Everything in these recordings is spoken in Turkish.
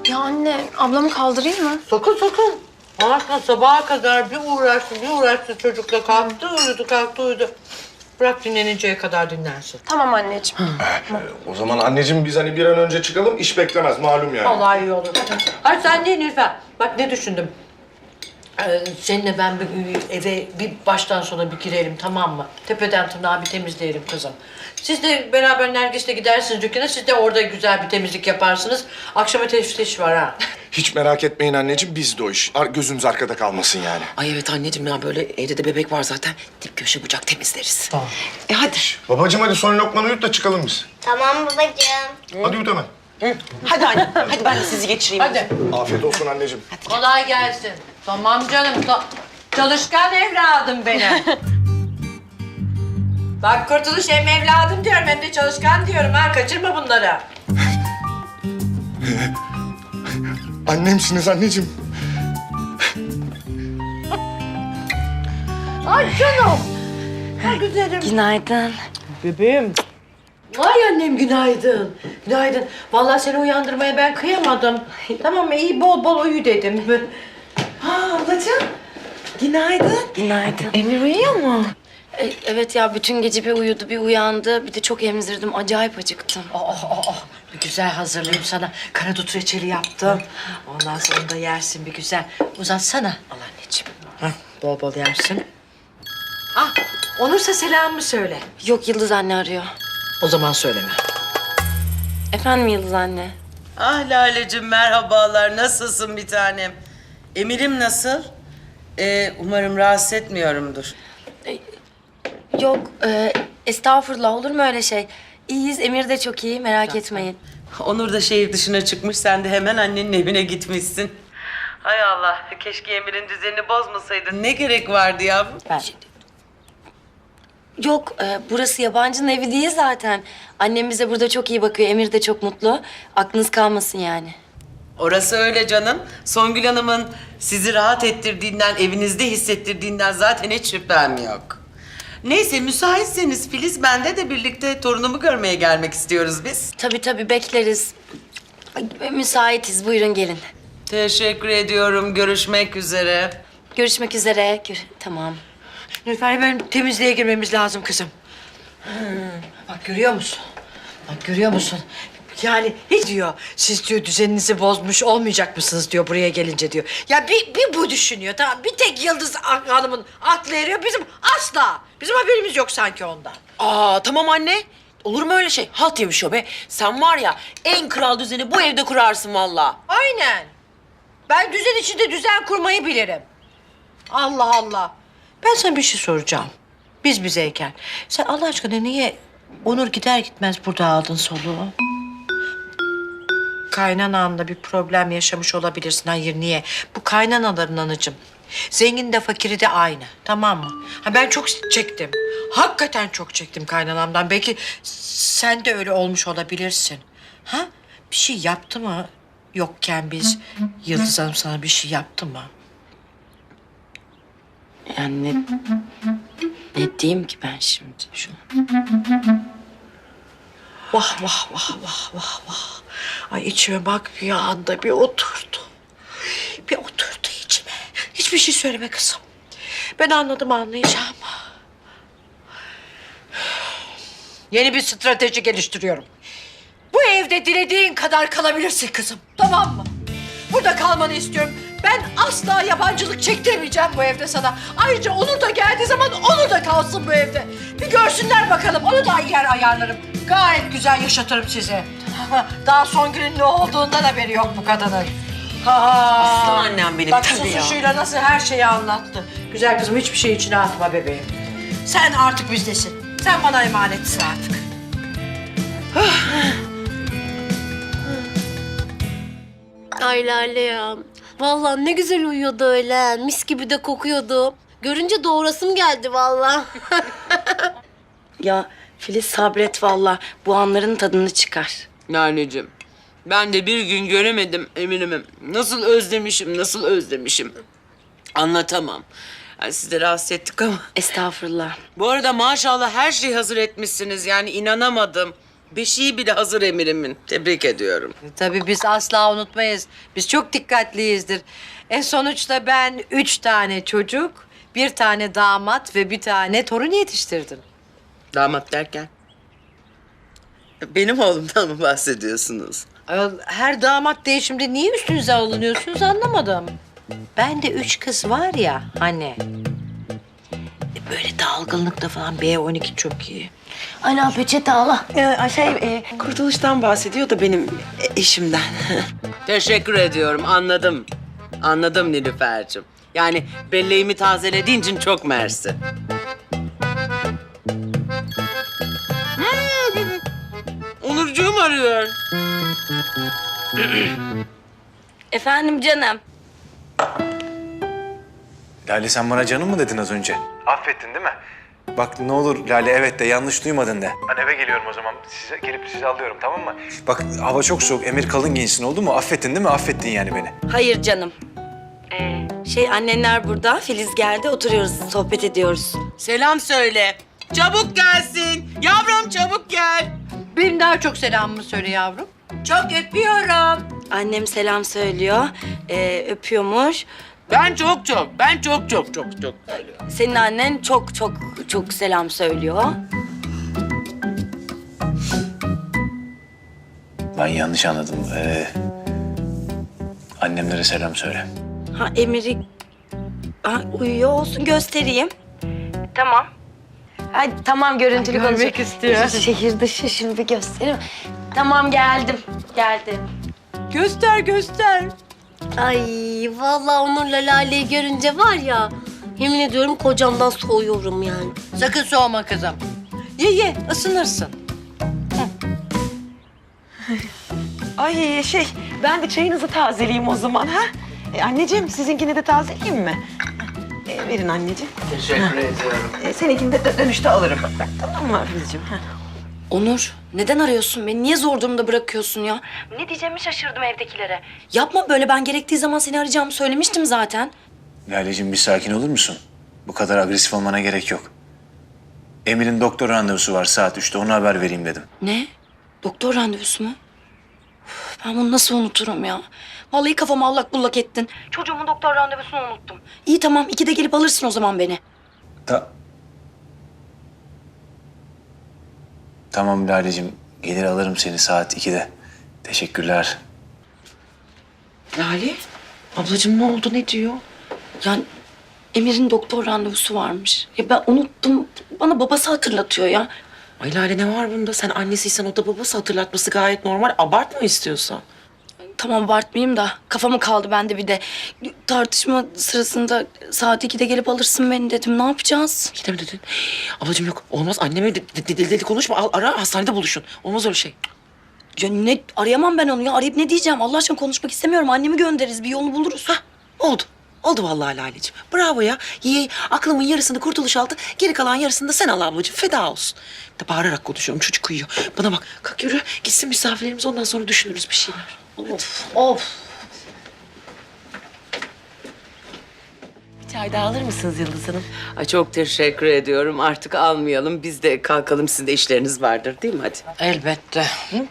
Ya anne, ablamı kaldırayım mı? Sakın sakın. Aslında sabaha kadar bir uğraştı çocukla. Kalktı uyudu, kalktı uyudu. Bırak dinleninceye kadar dinlensin. Tamam anneciğim. O zaman anneciğim biz hani bir an önce çıkalım, iş beklemez malum yani. Vallahi iyi olur. Hadi sen değil Nilüfer. Bak ne düşündüm. Seninle ben eve bir baştan sona bir girelim, tamam mı? Tepeden tırnağa bir temizleyelim kızım. Siz de beraber Nergis'le gidersiniz dükkana. Siz de orada güzel bir temizlik yaparsınız. Akşama teftiş var ha. Hiç merak etmeyin anneciğim, bizde o iş. Gözümüz arkada kalmasın yani. Ay evet anneciğim ya böyle evde de bebek var zaten. Dip köşe bucak temizleriz. Tamam. Hadi. Babacığım hadi son lokmanı uyut da çıkalım biz. Tamam babacığım. Hadi uyut hemen. Hadi anne. Hadi ben de sizi geçireyim. Hadi. Afiyet olsun anneciğim. Kolay gelsin. Tamam canım. Çalışkan evladım benim. Bak Kurtuluş hem evladım diyorum hem de çalışkan diyorum ha. Kaçırma bunları. Annemsiniz anneciğim. Ay canım. Ay güzelim. Günaydın. Bebeğim. Ay annem günaydın. Günaydın. Vallahi seni uyandırmaya ben kıyamadım. Tamam mı? İyi bol bol uyu dedim. Ha ablacığım. Günaydın. Günaydın. Emir uyuyor mu? Evet ya, bütün gece bir uyudu, bir uyandı. Bir de çok emzirdim, acayip acıktım. Bir güzel hazırlayayım sana. Karadut reçeli yaptım. Ondan sonra da yersin bir güzel. Uzatsana. Al anneciğim. Hah, bol bol yersin. Ah, Onursa selamımı söyle. Yok, Yıldız anne arıyor. O zaman söyleme. Efendim Yıldız anne? Ah Lale'cim merhabalar. Nasılsın bir tanem? Emir'im nasıl? Umarım rahatsız etmiyorumdur. Yok, estağfurullah, olur mu öyle şey? İyiyiz, Emir de çok iyi, merak etmeyin. Onur da şehir dışına çıkmış. Sen de hemen annenin evine gitmişsin. Hay Allah. Keşke Emir'in düzenini bozmasaydın. Ne gerek vardı yavrum? Yok, burası yabancının evi değil zaten. Annem bize burada çok iyi bakıyor, Emir de çok mutlu. Aklınız kalmasın yani. Orası öyle canım. Songül Hanım'ın sizi rahat ettirdiğinden, evinizde hissettirdiğinden zaten hiç şüphem yok. Neyse müsaitseniz Filiz, bende de birlikte torunumu görmeye gelmek istiyoruz biz. Tabii bekleriz. Ay, müsaitiz, buyurun gelin. Teşekkür ediyorum. Görüşmek üzere. Görüşmek üzere. Tamam. Nilüfer benim temizliğe girmemiz lazım kızım. Bak görüyor musun? Bak görüyor musun? Yani ne diyor? Siz diyor düzeninizi bozmuş olmayacak mısınız diyor buraya gelince diyor. Ya bir bu düşünüyor tamam. Bir tek Yıldız Hanım'ın aklı eriyor. Bizim asla. Bizim haberimiz yok sanki ondan. Aa tamam anne. Olur mu öyle şey? Halt yemiş o be. Sen var ya en kral düzeni bu evde kurarsın vallahi. Aynen. Ben düzen içinde düzen kurmayı bilirim. Allah Allah. Ben sana bir şey soracağım. Biz bizeyken. Sen Allah aşkına niye Onur gider gitmez burada aldın soluğu? Kaynananla bir problem yaşamış olabilirsin. Hayır niye? Bu kaynanaların anacığım. Zengin de fakiri de aynı. Tamam mı? Ha, ben çok çektim. Hakikaten çok çektim kaynanamdan. Belki sen de öyle olmuş olabilirsin. Ha? Bir şey yaptı mı yokken biz? Yıldız Hanım sana bir şey yaptı mı? Yani ne diyeyim ki ben şimdi şu an? Vah vah vah vah vah vah. Ay içime bak bir anda bir oturdu. Bir oturdu içime. Hiçbir şey söyleme kızım. Ben anladım, anlayacağım. Yeni bir strateji geliştiriyorum. Bu evde dilediğin kadar kalabilirsin kızım. Tamam mı? Burada kalmanı istiyorum. Ben asla yabancılık çektirmeyeceğim bu evde sana. Ayrıca Onur da geldiği zaman Onur da kalsın bu evde. Bir görsünler bakalım. Onu da yer ayarlarım. Gayet güzel yaşatırım sizi. Daha Songül'ün ne olduğundan haberi yok bu kadının. Aslan annem benim, Bak tabii ya. susuşuyla nasıl her şeyi anlattı. Güzel kızım hiçbir şey içine atma bebeğim. Sen artık bizdesin. Sen bana emanetsin artık. Ay Lale ya. Vallahi ne güzel uyuyordu öyle. Mis gibi de kokuyordu. Görünce doğrasım geldi vallahi. Ya Filiz sabret vallahi. Bu anların tadını çıkar. Naneciğim ben de bir gün göremedim Emir'imi. Nasıl özlemişim, nasıl özlemişim. Anlatamam. Yani sizi de rahatsız ettik ama. Estağfurullah. Bu arada maşallah her şeyi hazır etmişsiniz. Yani inanamadım. Beşiği bile hazır emirimin. Tebrik ediyorum. Tabii biz asla unutmayız. Biz çok dikkatliyizdir. Sonuçta ben 3 tane çocuk, 1 tane damat ve 1 tane torun yetiştirdim. Damat derken? Benim oğlumdan mı bahsediyorsunuz? Ayol, her damat değişimde niye üstünüze alınıyorsunuz anlamadım. Ben de 3 kız var ya hani. Böyle dalgınlıkta falan B12 çok iyi. Ana peçete ala. Kurtuluştan bahsediyor da benim eşimden. Teşekkür ediyorum, anladım. Anladım Nilüfer'cim. Yani belleğimi tazelediğin için çok mersi. Onurcuğum arıyor. Efendim canım. Lale sen bana canım mı dedin az önce? Affettin değil mi? Bak ne olur Lale evet de yanlış duymadın de. Ben eve geliyorum o zaman. Gelip sizi alıyorum tamam mı? Bak hava çok soğuk. Emir kalın giyinsin oldu mu? Affettin değil mi? Affettin yani beni. Hayır canım. Annenler burada. Filiz geldi. Oturuyoruz, sohbet ediyoruz. Selam söyle. Çabuk gelsin. Yavrum çabuk gel. Benim daha çok selamımı söyle yavrum. Çok öpüyorum. Annem selam söylüyor. Öpüyormuş. Ben çok. Senin annen çok selam söylüyor. Ben yanlış anladım. Annemlere selam söyle. Ha Emir'i uyuyor olsun göstereyim. Tamam. Ay, tamam görüntülü Görmek konuşalım. istiyor. Şehir dışı şimdi bir göstereyim. Tamam geldim. Göster. Ay vallahi Onur'la Lale'yi görünce var ya, yemin ediyorum kocamdan soğuyorum yani. Sakın soğuma kızım. Ye ısınırsın. Ay ben de çayınızı tazeleyeyim o zaman ha. Anneciğim sizinkini de tazeleyeyim mi? Verin anneciğim. Teşekkür ediyorum. Seninkini de dönüşte alırım. Tamam mı Filizciğim? Onur, neden arıyorsun beni? Niye zor durumda bırakıyorsun ya? Ne diyeceğimi şaşırdım evdekilere. Yapma böyle, ben gerektiği zaman seni arayacağımı söylemiştim zaten. Laleciğim bir sakin olur musun? Bu kadar agresif olmana gerek yok. Emir'in doktor randevusu var saat 3'te. Ona haber vereyim dedim. Ne? Doktor randevusu mu? Üf, ben bunu nasıl unuturum ya? Vallahi kafamı allak bullak ettin. Çocuğumun doktor randevusunu unuttum. İyi tamam, 2'de gelip alırsın o zaman beni. Tamam Laleciğim. Gelir alırım seni saat 2'de. Teşekkürler. Lale, ablacığım ne oldu, ne diyor? Yani Emir'in doktor randevusu varmış. Ya ben unuttum. Bana babası hatırlatıyor ya. Ay Lale ne var bunda? Sen annesiysen o da babası, hatırlatması gayet normal. Abartma istiyorsan. Tamam abartmayayım da kafamı kaldı bende bir de. Tartışma sırasında saat 2'de gelip alırsın beni dedim. Ne yapacağız? Yine mi dedin? Ablacığım yok, olmaz. Anneme deli konuşma. Al, ara, hastanede buluşun. Olmaz öyle şey. Ya ne arayamam ben onu ya. Arayıp ne diyeceğim? Allah aşkına konuşmak istemiyorum. Annemi göndeririz. Bir yolunu buluruz. Oldu. Oldu vallahi Laleciğim. Bravo ya. İyi. Aklımın yarısını Kurtuluş aldı. Geri kalan yarısını da sen al ablacığım. Feda olsun. Da bağırarak konuşuyorum. Çocuk uyuyor. Bana bak. Kalk yürü. Gitsin misafirlerimiz. Ondan sonra düşünürüz bir şeyler. Of. Çay da alır mısınız Yıldız Hanım? Ay çok teşekkür ediyorum. Artık almayalım. Biz de kalkalım. Sizin de işleriniz vardır değil mi? Hadi. Elbette.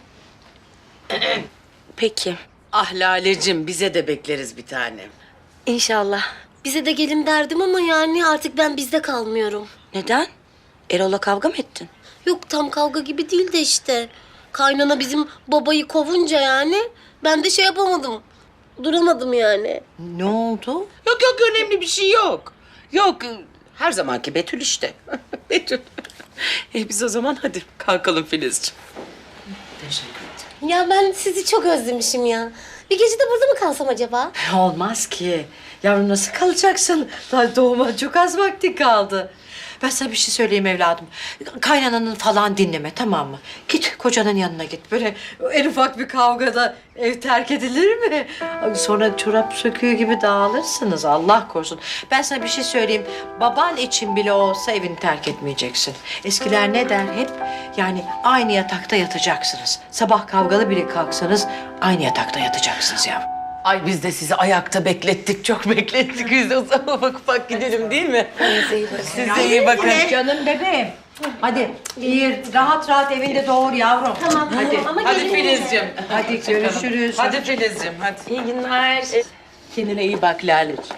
Peki. Ah Lalecim, bize de bekleriz bir tanem. İnşallah. Bize de gelin derdim ama yani artık ben bizde kalmıyorum. Neden? Erol'la kavga mı ettin? Yok tam kavga gibi değil de işte. Kaynana bizim babayı kovunca yani ben de şey yapamadım. Duramadım yani. Ne oldu? Yok önemli bir şey yok. Yok her zamanki Betül işte. Betül. Biz o zaman hadi kalkalım Filizciğim. Teşekkür ederim. Ya ben sizi çok özlemişim ya. Bir gece de burada mı kalsam acaba? Olmaz ki. Yavrum nasıl kalacaksın? Daha doğuma çok az vakti kaldı. Ben sana bir şey söyleyeyim evladım. Kaynananın falan dinleme tamam mı? Git kocanın yanına git. Böyle en ufak bir kavgada ev terk edilir mi? Sonra çorap söküğü gibi dağılırsınız Allah korusun. Ben sana bir şey söyleyeyim. Baban için bile olsa evini terk etmeyeceksin. Eskiler ne der hep? Yani aynı yatakta yatacaksınız. Sabah kavgalı bile kalksanız aynı yatakta yatacaksınız yavrum. Ay biz de sizi ayakta beklettik. Çok beklettik. Biz de o zaman ufak ufak gidelim değil mi? Siz de iyi bakın. Canım bebeğim. Hadi iyi, rahat rahat evinde doğur yavrum. Tamam. Hadi. Ama Hadi gelin- Filizciğim. Hadi görüşürüz. Hadi Filizciğim hadi. İyi günler. Kendine iyi bak Lale'ciğim.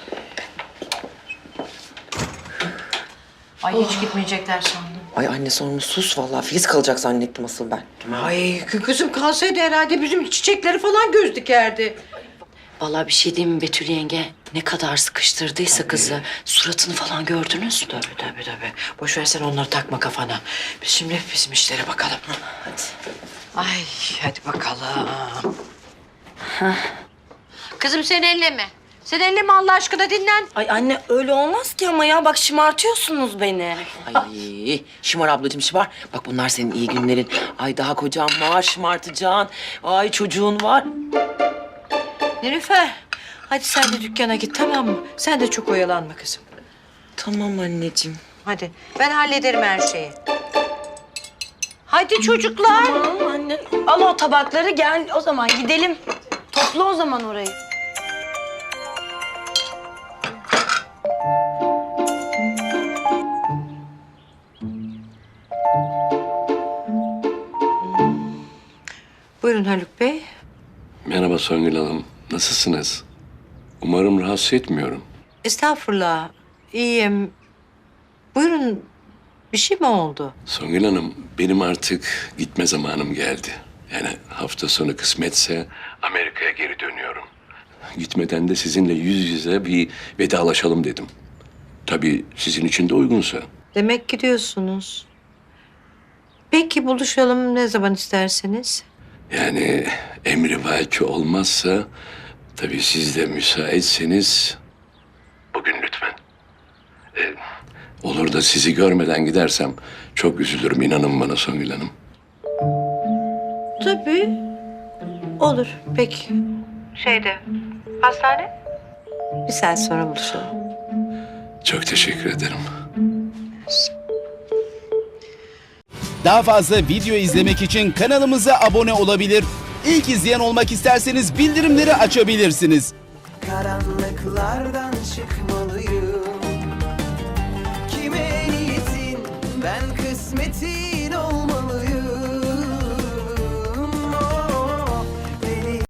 Ay hiç gitmeyecekler sandım. Ay anne sorma sus vallahi. Filiz kalacak zannettim asıl ben. Ay kızım kalsaydı herhalde bizim çiçekleri falan göz dikerdi. Vallahi bir şey diyeyim mi Betül yenge? Ne kadar sıkıştırdıysa kızı. Suratını falan gördünüz mü? Tabii. Boş ver sen onları takma kafana. Biz şimdi bizim işlere bakalım. Hadi. Ay hadi bakalım. Kızım sen elleme. Sen elleme Allah aşkına dinlen. Ay anne öyle olmaz ki ama ya. Bak şımartıyorsunuz beni. Ay Şimar ablacığım Şimar. Bak bunlar senin iyi günlerin. Ay daha kocan var şımartacaksın. Ay çocuğun var. Nilüfer hadi sen de dükkana git tamam mı? Sen de çok oyalanma kızım. Tamam anneciğim. Hadi ben hallederim her şeyi. Hadi çocuklar. Tamam anne. Al o tabakları gel o zaman gidelim. Topla o zaman orayı. Buyurun Haluk Bey. Merhaba Songül Hanım. Nasılsınız? Umarım rahatsız etmiyorum. Estağfurullah. İyiyim. Buyurun. Bir şey mi oldu? Songül Hanım, benim artık gitme zamanım geldi. Yani hafta sonu kısmetse Amerika'ya geri dönüyorum. Gitmeden de sizinle yüz yüze bir vedalaşalım dedim. Tabii sizin için de uygunsa. Demek gidiyorsunuz. Peki buluşalım ne zaman isterseniz. Yani emri vaki olmazsa, tabii siz de müsaitseniz bugün lütfen. Olur da sizi görmeden gidersem çok üzülürüm, inanın bana Songül Hanım. Tabii. Olur. Peki. Hastane? Bir saat sonra buluşalım. Çok teşekkür ederim. Daha fazla video izlemek için kanalımıza abone olabilir. İlk izleyen olmak isterseniz bildirimleri açabilirsiniz. Karanlıklardan çıkmalıyım. Kime niyetin ben kısmetin